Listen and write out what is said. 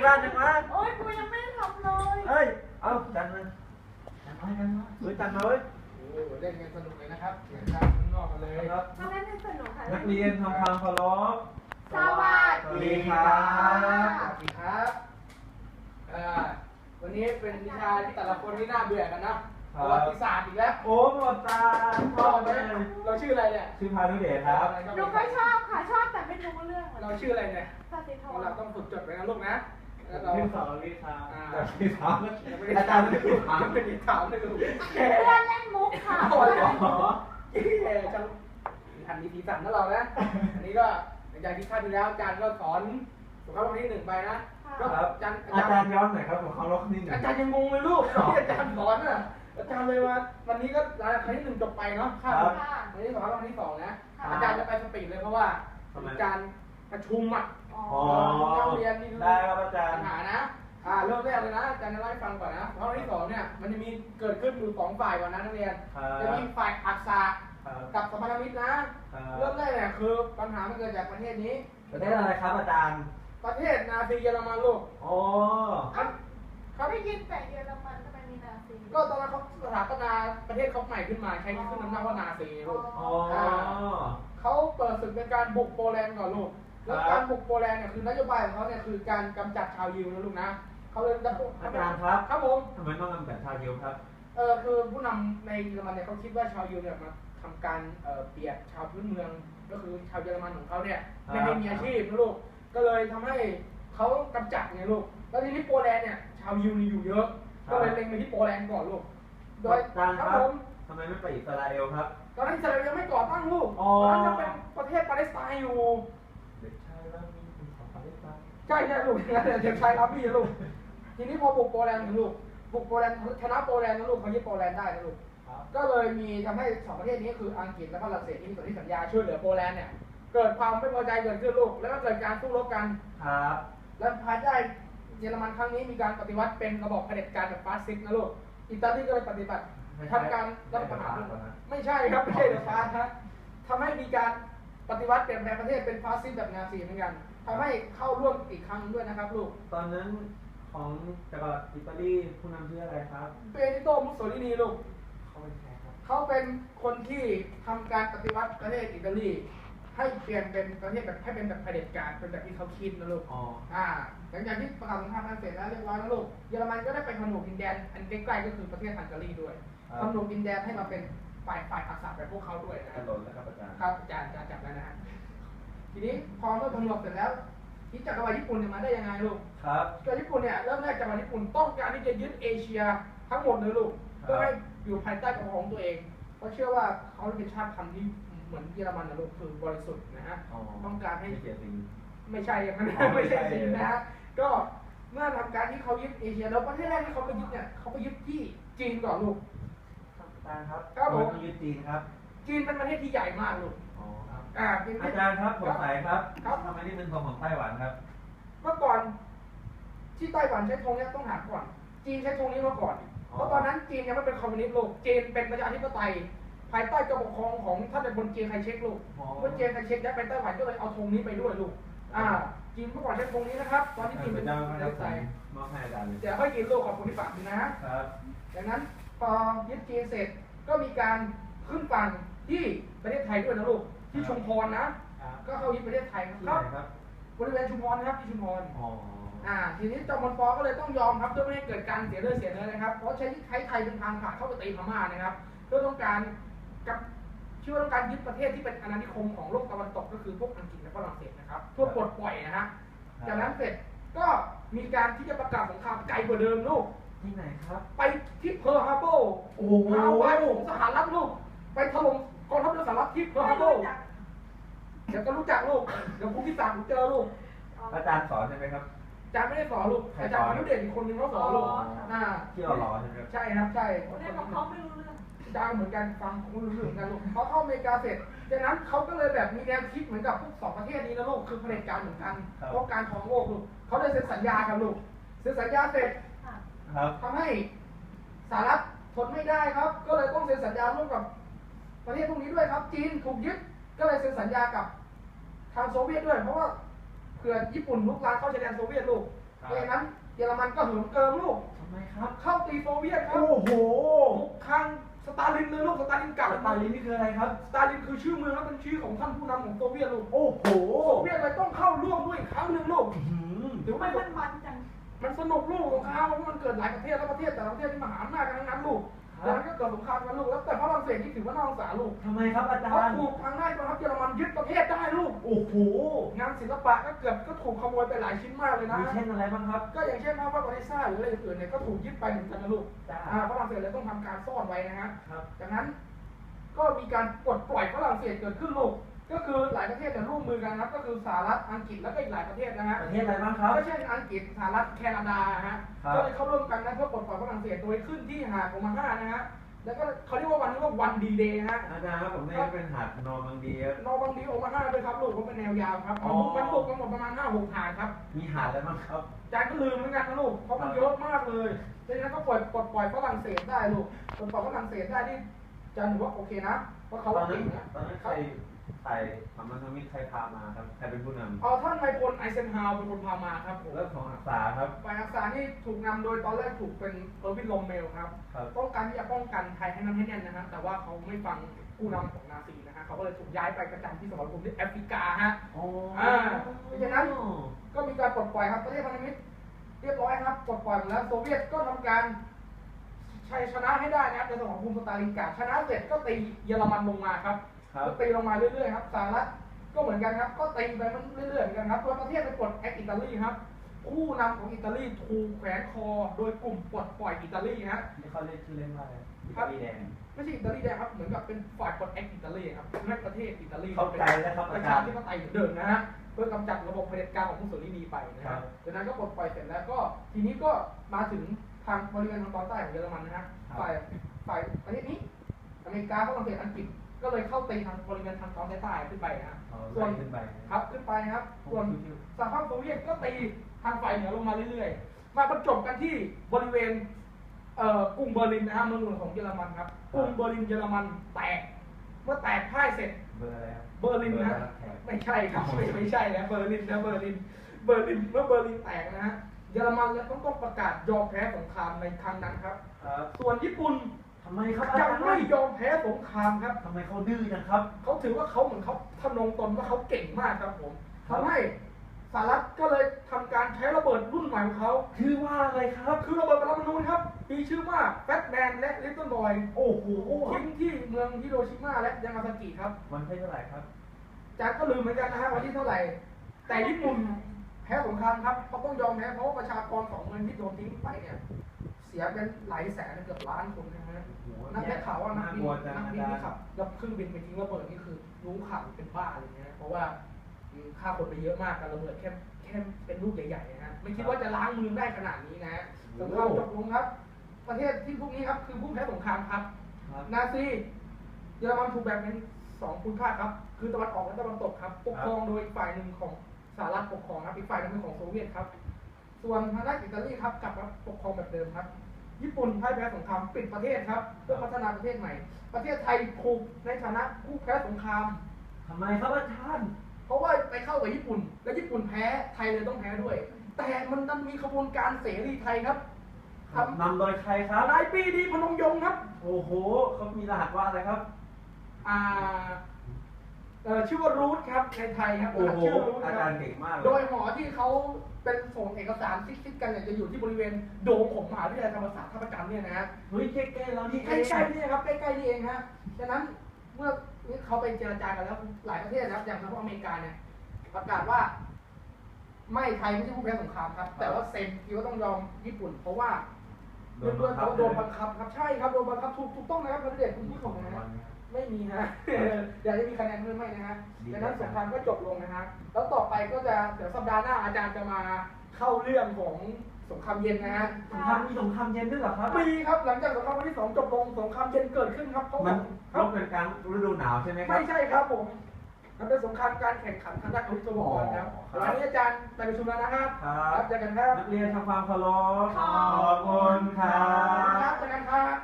บ้านยังวะโอ้ยกูยังไม่ได้ทำเลยเอ้ยเอาจันมาจันมาเว้ยโอ้เล่นกันสนุกเลยนะครับเสียงดังข้างนอกกันเลยครับมาเล่นให้สนุกค่ะนักเรียนทำความเคารพสวัสดีค่ะสวัสดีครับวันนี้เป็นวิชาที่แต่ละคนที่น่าเบื่อกันนะประวัติศาสตร์อีกแล้วโอ้หมดตาชอบเลยเราชื่ออะไรเนี่ยชื่อพานุเดชครับหนูก็ชอบค่ะชอบแต่ไม่รู้เรื่องเราชื่ออะไรเนี่ยสติธรเราต้องฝึกจดไว้นะลูกนะแล้วเราชื่อสอนวิชาที่ถามอาจารย์ไม่ได้ถามไม่ได้ถามเลยลูกเพื่อนเล่นมุกค่ะโอ้ยจังทันดีทีสั่นนะเรานะอันนี้ก็หลังจากที่คาดที่แล้วอาจารย์ก็สอนสุขภาพวันที่1ไปนะก็ครับอาจารย์อาจารย์ย้อนหน่อยครับผมเคารพนิดหนึ่งอาจารย์ยังงงเลยลูกที่อาจารย์สอนน่ะอาจารย์เลยว่าวันนี้ก็หลังจากครั้งที่1จบไปเนาะคาดวันที่2แล้ววันที่2นะอาจารย์จะไปสปีดเลยเพราะว่าอาจารย์ประชุมอ่ะอ๋ออ๋อได้ครับอาจารปัย์ญหานะเริ่มแรกเลยนะอาจารย์จะเล่าให้ฟังก่อนนะเพราะวันที่2เนี่ยมันจะมีเกิดขึ้นอยู่2ฝ่ายก่อนนะนักเรียนจะมีฝ่ายอักษะกับสัมพันธมิตรนะเริ่มแรกเนี่ยคือปัญหามันเกิดจากประเทศนี้ประเทศอะไรครับอาจารย์ประเทศนาซีเยอรมันลูกอ๋อครับได้ยินแต่เยอรมันทำไมมีนาซีก็ตอนนั้นเขาสถาปนาประเทศเขาใหม่ขึ้นมาใช้ขึ้นน้ำหน้าว่านาซีลูกอ๋อเขาเปิดศึกในการบุกโปแลนด์ก่อนลูกแล้วการบุกโปแลนด์เนี่ยคือนโยบายของเขาเนี่ยคือการกำจัดชาวยิวนะลูกนะเขาเลยจะอาจารย์ครับครับผมทำไมต้องทำแบบชาวยิวครับคือผู้นำในเยอรมันเนี่ยเขาคิดว่าชาวยิวเนี่ยมาทำการเบียดชาวพื้นเมืองก็คือชาวเยอรมันของเขาเนี่ยไม่ให้มีอาชีพนะลูกก็เลยทำให้เขากำจัดไงลูกแล้วทีนี้โปแลนด์เนี่ยชาวยิวนี่อยู่เยอะก็เลยเล็งไปที่โปแลนด์ก่อนลูกโดยอาจารย์คครัรับบ ผมทำไมไม่ไปอิสราเอลครับตอนนั้นอิสราเอลยังไม่ก่อตั้งลูกอ๋อตอนนั้นยังเป็นประเทศปาเลสไตน์อยู่เด็กชายว่ามีเป็นของปาเลสไตน์ใช่ใช่ลูกนั่นแหละเด็กชายรับบี้ลูกทีนี้พอบุกโปแลนด์นะลูกบุกโปแลนด์ชนะโปแลนด์นะลูกเขายึดโปแลนด์ได้นะลูกครับก็เลยมีทำให้สองประเทศนี้คืออังกฤษและฝรั่งเศสที่มีสนธิสัญญาช่วยเหลือโปแลนด์เนี่ยเกิดความไม่พอใจเกิดขึ้นลูกแล้วก็เกิดการสู้รบกันครับและภายใต้เยอรมันครั้งนี้มีการปฏิวัติเป็นระบอบเผด็จการแบบฟาสซิสต์นะลูกอิตาลีก็เลยปฏิบัติทำการรัฐประหารไม่ใช่ครับไม่ใช่เดอะฟาสนะทำให้มีการปฏิวัติเปลี่ยนแปลงประเทศเป็นฟาสซิสต์แบบนาซีเหมือนกันทำให้เข้าร่วมอีกครั้งด้วยนะครับลูกตอนนั้นของจักรวรรดิอิตาลีผู้นำชื่ออะไรครับเบนิโตมุสโสลินีลูกเขาเป็นใครครับเขาเป็นคนที่ทำการปฏิวัติประเทศอิตาลีให้เปลี่ยนเป็นประเทศแบบให้เป็นแบบเผด็จการเป็นแบบที่เขาคิดนะลูกอ๋อหลังจากที่ประกาศสงครามกันเสร็จแล้วเรียบร้อยแล้วลูกเยอรมันก็ได้ไปผนวกดินแดนอันใกล้ๆก็คือประเทศฮังการีด้วยผนวกดินแดนให้มาเป็นฝ่ายอักษะแบบพวกเขาด้วยนะถนนแล้วครับอาจารย์ครับอาจารย์จับแล้วนะฮะทีนี้พอเมื่อผนวกเสร็จแล้วที่จักรวรรดิญี่ปุ่นเนี่ยมาได้ยังไงลูกครับจักรวรรดิญี่ปุ่นเนี่ยเริ่มแรกจักรวรรดิญี่ปุ่นต้องการที่จะยึดเอเชียทั้งหมดเลยลูกเพื่อให้อยู่ภายใต้ปกครองตัวเองเพราะเชื่อว่าเขาเป็นชาติพันธุ์ที่เหมือนเยอรมันนะลูกคือบริสุทธิ์นะฮะอ๋อต้องการให้ไม่เสียสิ่งไม่ใช่อย่างนั้นอ๋อไม่ใช่ไม่ใช่สินะฮะก็เมื่อทำการที่เขายึดเอเชียแล้วประเทศแรกที่เขาไปยึดเนี่ยเขาไปยึดที่จีนก่อนลูกครับอาจารย์ครับครับผมทำไต้องยึดจีนครับจีนเป็นประเทศที่ใหญ่มากลูกอ๋อครับเป็นอาจารย์ครับสงสัยครับครับทำไมนี่เป็นธงของไต้หวันครับเมื่อก่อนที่ไต้หวันใช้ธงเนี้ยต้องถามก่อน จีนใช้ธงนี้มาก่อน เพราะตอนนั้นจีนยังไม่เป็นคอมมิวนิสต์ลูกจีนเป็นประชาธิปไตยภายใต้การปกครองของท่านเป็นคนจีนไคเชกลูกอ๋อเมื่อจีนไคเชกย้ายไปไต้หวันก็เลยเอาธงนี้ไปด้วยลูกจีนเมื่อก่อนใช้ธงนี้นะครับ ตอนที่จีนพเป็ระนเจ้าประคชารับธิปไตยมอบให้อาจารย์เลยเดี๋ยวค่อยกินลูกขอบคุณที่ฝากนะฮะครับดังนั้นพอยึดจีนเสร็จก็มีการขึ้นฝั่งที่ประเทศไทยด้วยนะลูกที่ชุมพรนะครับก็เข้ายึดประเทศไทยที่คไหรับนครับบริเวณชุมพรนะครับที่ชุมพรอ๋อทีนี้จอมพลปก็เลยต้องยอมครับเพื่อไม่ให้เกิดการเสียเลือดเสียเนื้อนะครับเพราะใช้ไทยเป็นทางผ่านเข้าไปตีพม่านะครับเพื่อต้องการกับชื่อว่าต้องการยึดประเทศที่เป็นอาณานิคมของโลกตะวันตกก็คือพวกอังกฤษและฝรั่งเศสนะครับเพื่อปลดปล่อยนะฮะจากนั้นเสร็จก็มีการที่จะประกาศสงครามไกลกว่าเดิมลูกที่ไหนครับไปที่เพิร์ลฮาร์เบอร์โอ้โหฮาวายของสหรัฐลูกไปถล่มกองทัพเรือสหรัฐที่เพิร์ลฮาร์เบอร์เดี๋ยวก็รู้จักลูกเดี๋ยวคุณพิศาเจอลูกอาจารย์สอนใช่ไหมครับอาจารย์ไม่ได้สอนลูกอาจารย์พานุเดชอีกคนนึงเขาสอนลูกที่เรารอใช่ไหมครับใช่ครับใช่เล่นของเขาไม่รู้เรื่องอาจารย์เหมือนกันฟังคุณรู้เรื่องกันลูกเขาเข้าอเมริกาเสร็จจากนั้นเขาก็เลยแบบมีแนวคิดเหมือนกับพวกสองประเทศนี้นะลูกคือเผด็จการเหมือนกันเพราะการครองโลกลูกเขาเลยเซ็นสัญญากันลูกเซ็นสัญญาเสร็จครับทำให้สหรัฐทนไม่ได้ครับ ก็เลยต้องเซ็นสัญญาร่วมกับประเทศพวกนี้ด้วยครับ จีนถูกยึดก็เลยเซ็นสัญญากับทางโซเวียตด้วย เพราะว่าเผื่อญี่ปุ่นลุกลามเข้าชายแดนโซเวียตลูกดังนั้นเยอรมันก็เหิมเกิมลูกทำไมครับเข้าตีโซเวียตครับโอ้โหบุกครั้งสตาลินเลยลูกสตาลินเก่าสตาลินนี่คืออะไรครับสตาลินคือชื่อเมืองและเป็นชื่อของท่านผู้นำของโซเวียตลูกโอ้โหโซเวียตเลยต้องเข้าร่วมด้วยอีกครั้งหนึ่งลูกอื้อหือหรือทำไมไม่มันจังมันสนุกลูกสงครามเพราะมันเกิดหลายประเทศแล้วประเทศแต่ละประเทศที่มหาอำนาจกันทั้งนั้นลูกแล้วมันก็เกิดสงครามกันลูกแล้วแต่ฝรั่งเศสนี่ถือว่าน่าสงสารลูกทำไมครับอาจาเขารย์ถูกทางได้กองทัพเยอรมันยึดประเทศได้ลูกโอ้โหงานศิลปะก็เกือบก็ถูกขโมยไปหลายชิ้นมากเลยนะมีเช่นอะไรบ้างครับก็อย่างเช่นภาพวาดโอเดซ่าหรืออะไรอื่นๆเนี่ยก็ถูกยึดไปเหมือนกันนะลูกจ้าฝรั่งเศสเลยต้องทำการซ่อนไว้นะฮะครับจากนั้นก็มีการปลดปล่อยฝรั่งเศสเกิดขึ้นลูกก็คือหลายประเทศเนี่ยร่วมมือกันนะครับก็คือสหรัฐอังกฤษแล้วก็อีกหลายประเทศนะฮะประเทศอะไรบ้างครับก็เช่นอังกฤษสหรัฐแคนาดาฮะครับก็เลยเข้าร่วมกันนะเพื่อปลดปล่อยฝรั่งเศสโดยขึ้นที่หาดโอมาฮานะฮะแล้วก็เขาเรียกว่าวันนี้ว่าวันดีเดย์ฮะอาจารย์ครับผมได้เป็นหาดนอร์มังดีครับนอร์บังดีโอมาฮาด้วยครับลูกเพราะเป็นแนวยาวครับอ๋อมันบุกกันหมดประมาณ5-6 หาดครับมีหาดอะไรบ้างครับจานก็ลืมเหมือนกันนะลูกเพราะมันเยอะมากเลยดังนั้นก็ปลดปล่อยฝรั่งเศสได้ลูกปลดปล่อยฝรั่งเศสได้ที่จานถือว่าโอเคนะเพราะเขาตอนเก่นั้นงนะตอนนั้นใครทำมันทำมิตรใครพามาครับใครเป็นผู้นท่านนายพลไอเซนฮาวเป็นคนพามาครับผมำแล้วของอักษาครับฝ่ายอักษานี่ถูกนำโดยตอนแรกถูกเป็นเออร์วินโรเมลครับครับต้องการที่จะป้องกันไทยให้นั้นให้แน่นนะฮะแต่ว่าเขาไม่ฟังผู้นำของนาซีนะฮะเขาก็เลยถูกย้ายไปประจำที่สมรภูมิที่แอฟริกาฮะอ๋อเพราะฉะนั้น ก็มีการปลดปล่อยครับประเทศพันธมิตรเรียบร้อยครับปลดปล่อยหมดแล้วโซเวียตก็ทำการชัยชนะให้ได้นะครับในสมรภูมิสตาลินกราดชนะเสร็จก็ตีเยอรมันลงมาครับครับก็ตีลงมาเรื่อยๆครับสหรัฐก็เหมือนกันครับก็ตีไปมันเรื่อยๆเหมือนกันครับตัวประเทศไปปลดแอคอิตาลีครับผู้นำของอิตาลีถูกแขวนคอโดยกลุ่มปลดปล่อยอิตาลีฮะนี่เขาเรียกชื่อเล่นว่าอะไรอิครัตาบลีแดงไม่ใช่อิตาลีแดงครับเหมือนกับเป็นฝ่ายปลดแอคอิตาลีครับแม้ประเทศอิตาลีเข้าใจแล้วครับปอาระจาชารย์ธิปไตยเหมือนเดิมนะฮะเพื่อกำจัดระบบเผด็จการของมุสโสลินีไปนะครัฮะบจากนั้นก็ปลดปล่อยเสร็จแล้วก็ทีนี้ก็มาถึงทางบริเวณทางตอนใต้ของเยอรมันนะฮะฝ่ายประเทศนี้อเมริกาฝรั่งเศสอังกฤษก็เลยเข้าตีทางบริเวณทางตอนใต้ขึ้นไปนะฮะเอาส่วนไล่ขึ้นไปครับขึ้นไปครับส่วนสหภาพโซเวียตก็ตีทางฝ่ายเหนือลงมาเรื่อยๆมาบรรจบกันที่บริเวณกรุงเบอร์ลินนะฮะเมืองหลวงของเยอรมันครับกรุงเบอร์ลินเยอรมันแตกเมื่อแตกพ่ายเสร็จเบอร์อะไรครับเบอร์ลินนะเบอร์รับแขกไม่ใช่ครับไม่ใช่นะเบอร์ลินนะเบอร์ลินเมื่อเบอร์ลินแตกนะฮะเยอรมันแล้วต้องประกาศยอมแพ้สงครามในครั้งนั้นครับครับส่วนญี่ปุ่นทำไมครับอายัจาง รย์ไม่ยอมแพ้สงครามครับทำไมเขาดื้อจังครับเขาถือว่าเขาเหมือนเขาทำนงตนว่าเขาเก่งมากครับผมครับทำให้สหรัฐก็เลยทำการใช้ระเบิดรุ่นใหม่ของเขาชื่อว่าอะไรครับคือระเบิดปรมาณูนะครับมีชื่อว่าแฟตแมนและลิตเติ้ลบอยโอ้โหทิ้งที่เมืองฮิโรชิมาและยามาซากิครับวันที่เท่าไหร่ครับจากก็ลืมเหมือนกันนะฮะวันที่เท่าไหร่ แต่ญี่ปุ่นแพ้สงครามครับเขาต้องยอมแพ้เพราะว่าประชากร2 เมืองที่โดนทิ้งไปเนี่ยเสียเป็นหลายแสนเกือบล้านคนนะฮะโอ้โหนักได้ข่าวว่านักบินกลัวจังนักอาบินจารที่ย์ขับแล้วเครื่องบินไปทิ้งระเบิดนี่คือรู้ข่าวเป็นบ้าอะไรเงี้ยเพราะว่าฆ่าคนไปเยอะมากการระเบิดแค่เป็นลูกใหญ่ๆนะฮะไม่คิดว่าจะล้างเมืองได้ขนาดนี้นะฮะสงครามจบลงครับ ประเทศที่พวกนี้ครับคือผู้แพ้สงครามครับครับนาซีเยอรมันถูกแบ่งเป็น2 ภูมิภาคครับคือตะวันออกและตะวันตกครับปกครองโดยอีกฝ่ายหนึ่งของสหรัฐปกครองครับอีกฝ่ายหนึงเป็นของโซเวียตครับส่วนทางด้านอิตาลีครับกลับมาปกครองแบบเดิมครับ ญี่ปุ่นพ่ายแพ้สงครามปิดประเทศครับเพื่อพัฒนาประเทศใหม่ ประเทศไทยถูกในฐานะผู้แพ้สงครามทำไมครับอาจารย์เพราะว่าไปเข้ากับญี่ปุ่น และญี่ปุ่นแพ้ไทยเลยต้องแพ้ด้วย แต่มันดันมีขบวนการเสรีไทยครับทำนำโดยใครครับนายปรีดีพนมยงค์ครับโอ้โหเขามีรหัสว่าอะไรครับอ่าชื่อว่ารูทครับในไทยครับโอ้โหชื่อรูทอาคจารัรบย์เก่งมากเลโดยยหอที่เขาเป็นส่งเอกสารซิกๆกันเนี่ยจะอยู่ที่บริเวณโดมของมหาวิทยาลัยธรรมศาสตร์ท่าประจันทร์เนี่ยนะฮะเฮ้ยใกล้ๆเรานี่ใกล้ๆนี่ครับใกล้ๆนี่เองฮะฉะนั้นเมื่อนี้เขาไปเจรจากันแล้วหลายประเทศนะครับอย่างสหรัฐอเมริกาเนี่ยประกาศว่า ไม่ไทยไม่ใช่ผู้แพ้สงครามครับ แต่ว่าเซ็นที่ว่าต้องยอมญี่ปุ่น เพราะว่าเพื่อนๆเขาโดนบังคับครับใช่ครับโดนบังคับถูกต้องนะครับประเด็นคุณผู้ชมนะฮะ ไม่มีฮะ เดี๋ยวจะมีคะแนนเพิ่มไหมนะฮะดังนั้นสงครามก็จบลงนะฮะ แล้วต่อไปก็จะเดี๋ยวสัปดาห์หน้าอาจารย์จะมาเข้าเรื่องของสงครามเย็นนะฮะสงครามมีสงครามเย็นด้วยเหรอครับมีครับหลังจากสงครามวันที่ 2 จบลงสงครามเย็นเกิดขึ้นครับเพราะมันครัรบบเป็นกลางฤดูหนาวใช่ไหมครัไม่บใช่ครับผม มันเป็นสงครามการแข่งขันทางด้านอาวุธยุทโธปกรณ์ครับครับวันนี้อาจารย์ไปประชุมแล้วนะครับครับเจอกันครับนักเรียนทำความเคารพขอบขอบคุณครัครับ บเจอกันครับ